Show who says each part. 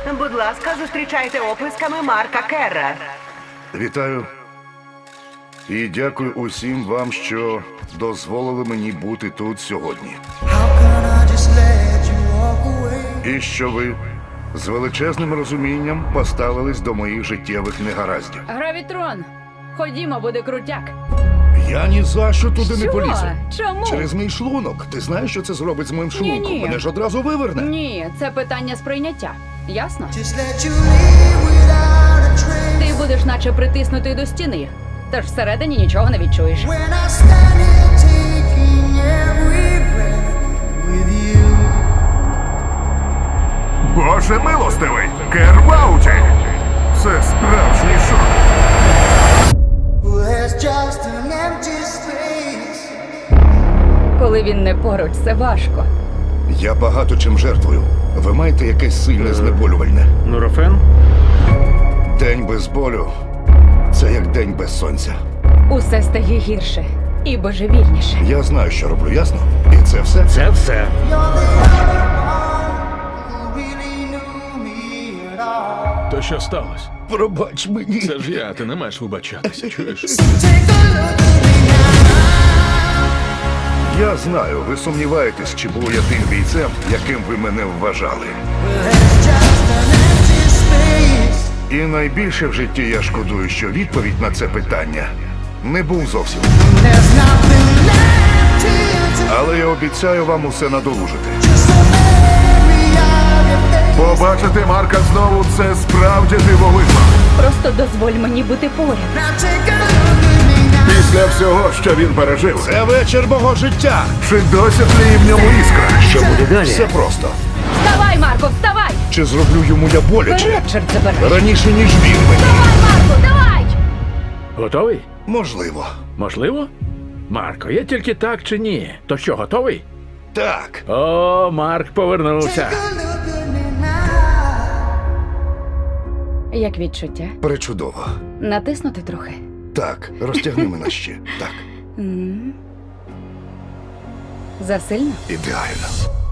Speaker 1: Будь ласка, зустрічайте оплесками Марка Керра.
Speaker 2: Вітаю. І дякую усім вам, що дозволили мені бути тут сьогодні. І що ви з величезним розумінням поставились до моїх життєвих негараздів.
Speaker 3: Гравітрон, ходімо, буде крутяк.
Speaker 2: Я ні за що туди не
Speaker 3: Що?
Speaker 2: полізу.
Speaker 3: Чому?
Speaker 2: Через мій шлунок. Ти знаєш, що це зробить з моїм шлунком?
Speaker 3: Ні-ні.
Speaker 2: Мене ж одразу виверне.
Speaker 3: Ні, це питання сприйняття. Ясно?
Speaker 4: Just let you leave without a trace.
Speaker 3: Ти будеш наче притиснутий до стіни, тож всередині нічого не відчуєш.
Speaker 4: When I stand here taking every breath with you.
Speaker 5: Боже милостивий! Кер в ауті! Це справжній шок.
Speaker 4: Well, there's just an empty space.
Speaker 3: Коли він не поруч, це важко.
Speaker 2: Я багато чим жертвую. Ви маєте якесь сильне знеболювальне.
Speaker 6: Нурофен?
Speaker 2: День без болю це як день без сонця.
Speaker 3: Усе стає гірше і божевільніше.
Speaker 2: Я знаю, що роблю, ясно? І це все.
Speaker 6: Це все.
Speaker 4: You're the only one who really knew me at all.
Speaker 6: То що сталося?
Speaker 2: Пробач мені.
Speaker 6: Це ж я, ти не маєш вибачатися, чуєш?
Speaker 4: Take a look at me now.
Speaker 2: Я знаю, ви сумніваєтесь, чи був я тим бійцем, яким ви мене вважали.
Speaker 4: Well, there's just an empty space.
Speaker 2: І найбільше в житті я шкодую, що відповідь на це питання не був зовсім.
Speaker 4: There's nothing left here to
Speaker 2: Але я обіцяю вам усе надолужити.
Speaker 4: just a memory of your face.
Speaker 5: Побачити Марка знову – це справді дивовижно.
Speaker 3: Просто дозволь мені бути поряд.
Speaker 4: Now take a look at me now.
Speaker 5: Після всього, що він пережив,
Speaker 2: Це вечір мого життя.
Speaker 5: чи досі тліє в ньому іскра?
Speaker 6: Що буде далі?
Speaker 2: Все просто.
Speaker 3: Вставай, Марко, вставай!
Speaker 2: Чи зроблю йому я боляче?
Speaker 3: Вперед, чорт забирай!
Speaker 2: Раніше, ніж він мені.
Speaker 3: Давай, Марко, давай!
Speaker 6: Готовий?
Speaker 2: Можливо.
Speaker 6: Можливо? Марко, є тільки так чи ні? То що, готовий?
Speaker 2: Так.
Speaker 6: О, Марк повернувся.
Speaker 4: Take a look at me now.
Speaker 3: Як відчуття?
Speaker 2: Пречудово.
Speaker 3: Натиснути трохи.
Speaker 2: Так, розтягни мене ще. Так,
Speaker 3: Засильно?
Speaker 2: ідеально.